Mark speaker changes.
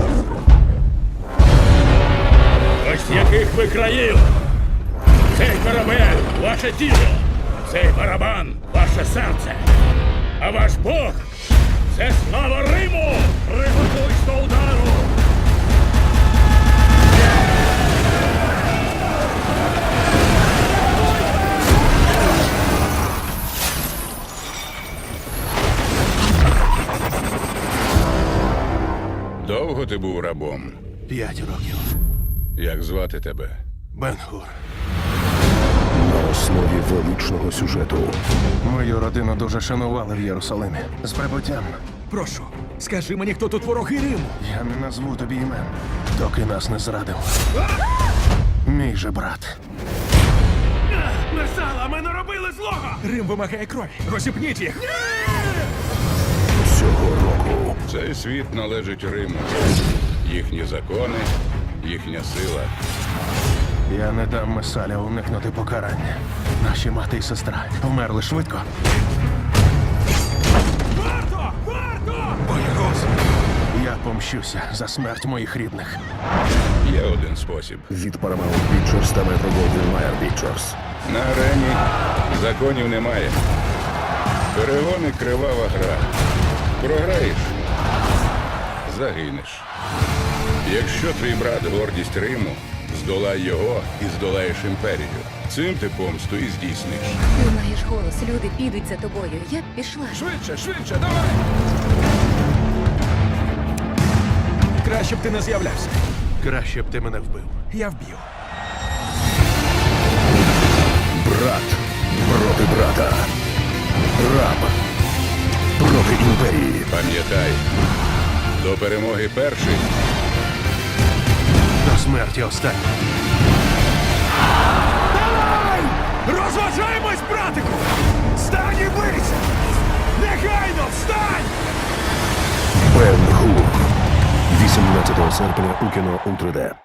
Speaker 1: Ось яких ви країв! Цей корабель – ваше тіло, цей барабан – ваше серце. А ваш Бог – це слава Риму! Приготуйсь до удару!
Speaker 2: Довго ти був рабом?
Speaker 3: 5 років.
Speaker 2: Як звати тебе?
Speaker 3: Бен-Гур.
Speaker 4: На основі величного сюжету.
Speaker 3: Мою родину дуже шанували в Єрусалимі. З прибуттям.
Speaker 5: Прошу, скажи мені, хто тут вороги Риму?
Speaker 3: Я не назву тобі імен, доки нас не зрадив. Мій же брат.
Speaker 5: Мерсала, ми не робили злого! Рим вимагає крові. Розіпніть їх!
Speaker 4: Цього року
Speaker 2: Цей світ належить Риму. Їхні закони, їхня сила.
Speaker 3: Я не дам Месаля уникнути покарання. Наші мати і сестра вмерли швидко.
Speaker 5: Варто! Варто! Боягуз!
Speaker 3: Я помщуся за смерть моїх рідних.
Speaker 2: Є один спосіб.
Speaker 4: від Paramount Pictures та Metro-Goldwyn-Mayer Pictures.
Speaker 2: На арені законів немає. Перегони – кривава гра. Програєш – загинеш. Якщо твій брат – гордість Риму, здолай його і здолаєш імперію. Цим ти помсту і здійсниш.
Speaker 6: Ти маєш голос, люди підуть за тобою. Я б пішла.
Speaker 5: Швидше, швидше, давай! Краще б ти не з'являвся.
Speaker 3: Краще б ти мене вбив.
Speaker 5: Я вб'ю.
Speaker 4: Брат проти брата. Раб проти імперії.
Speaker 2: Пам'ятай, до перемоги перший.
Speaker 3: До смерті останній.
Speaker 5: Давай! Розважаємось, братику! Встань і бийся! Негайно встань!
Speaker 4: Бен-Гур. 18 серпня у кіно у 3D.